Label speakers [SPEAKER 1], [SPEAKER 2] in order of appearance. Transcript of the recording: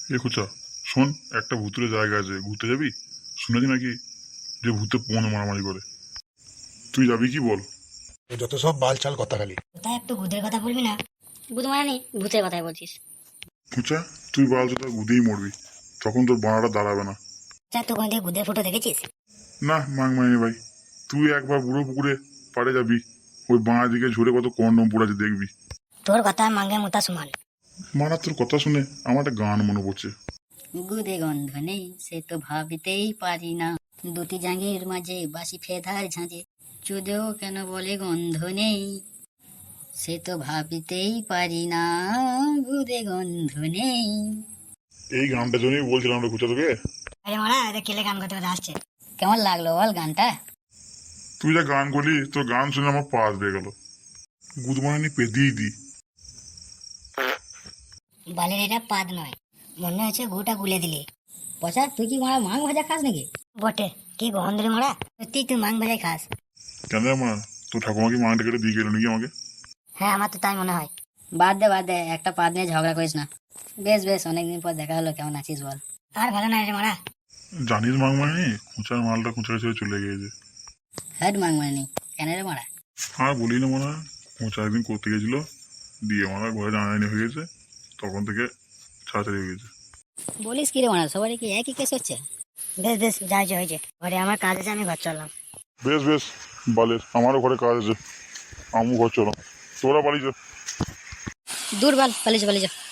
[SPEAKER 1] এ খোঁচা, শোন, একটা ভূতুরে জায়গা আছে, ঘুরতে যাবি? শুনেছি নাকি যে ভূতে পণ মারামারি করে। তুই যাবি কি বল?
[SPEAKER 2] যত সব বালছাল কথা খালি।
[SPEAKER 3] কোথায় একটু ভূতের কথা বলবি না? ভূত মানে নেই, ভূতের কথাই বলছিস।
[SPEAKER 1] খোঁচা, তুই বাল চোদা গুদেই মরবি, তখন তোর বানাটা দাঁড়াবে না।
[SPEAKER 3] আচ্ছা, তুই কোন থেকে ভূতের ফটো দেখেছিস?
[SPEAKER 1] না মাং মাইনি ভাই, তুই একবার বুড়ো পুকুরে পাড়ে যাবি, ওই বাঁ দিকে ঝরে কত কন্ডম পড়ে আছে দেখবি।
[SPEAKER 3] তোর কথা মাঙ্গের মোতা সমান।
[SPEAKER 1] মারা, তোর কথা শুনে আমার একটা গান মনে পড়ছে।
[SPEAKER 3] গুদে গন্ধ নেই সে তো ভাবিতেই পারি না, দুটি জাঙ্গির মাঝে বাসি ফেদার ঝাঁঝে, চুদেও কেন বলে গন্ধ নেই সে তো ভাবিতেই পারি না, গুদে গন্ধ নেই।
[SPEAKER 1] এই গানটার জন্যই বলছিলাম রে খোঁচা তোকে।
[SPEAKER 3] আরে মারা, এটা কেলে গান করতে করতে আসছে। কেমন লাগলো বল গানটা?
[SPEAKER 1] তুই যা গান করলি, তোর গান শুনে আমার পাস বেয়ে গেল। গুদ মারানি পেদিই দি।
[SPEAKER 3] বালের এটা পাদ নয়, মনে হচ্ছে গোটা গুলে দিলি। পচা, তুই কি মারা মাং ভাজা খাস নাকি? বটে, কি গন্ধ রে মারা, সত্যি তুই মাং ভাজাই খাস?
[SPEAKER 1] কেন রে মা, তোর ঠাকুমা কি মাংটা কেটে দিয়ে গেল নাকি আমাকে?
[SPEAKER 3] হ্যাঁ, আমার তো তাই মনে হয়। বাদ দে, একটা পাদ নিয়ে ঝগড়া করিস না। বেশ বেশ, অনেকদিন পর দেখা হলো, কেমন আছিস বল? আর ভালো না রে মারা।
[SPEAKER 1] জানিস মাং মাইনি, খোঁচার মালটা খোঁচা ছেড়ে চলে গিয়েছে।
[SPEAKER 3] হ্যাঁ মাং মানে নেই, কেন রে মারা?
[SPEAKER 1] আর বলি না মনে হয়, খোঁচা একদিন করতে গেছিল, দিয়ে মারা ঘরে জানাজানি হয়ে গেছে, তখন থেকে ছাড়াছাড়ি হয়ে গেছে।
[SPEAKER 3] বলিস কি রে মারা, সবারই কি একই কেস হচ্ছে? বেশ বেশ, যা হয়েছে, ঘরে আমার কাজ আছে, আমি ঘর চললাম।
[SPEAKER 1] বেশ বেশ, বালের আমারও ঘরে কাজ আছে, আমু ঘর চলো, তোরা বাড়ি যা।
[SPEAKER 3] দূর বাল, পালিয়ে যা।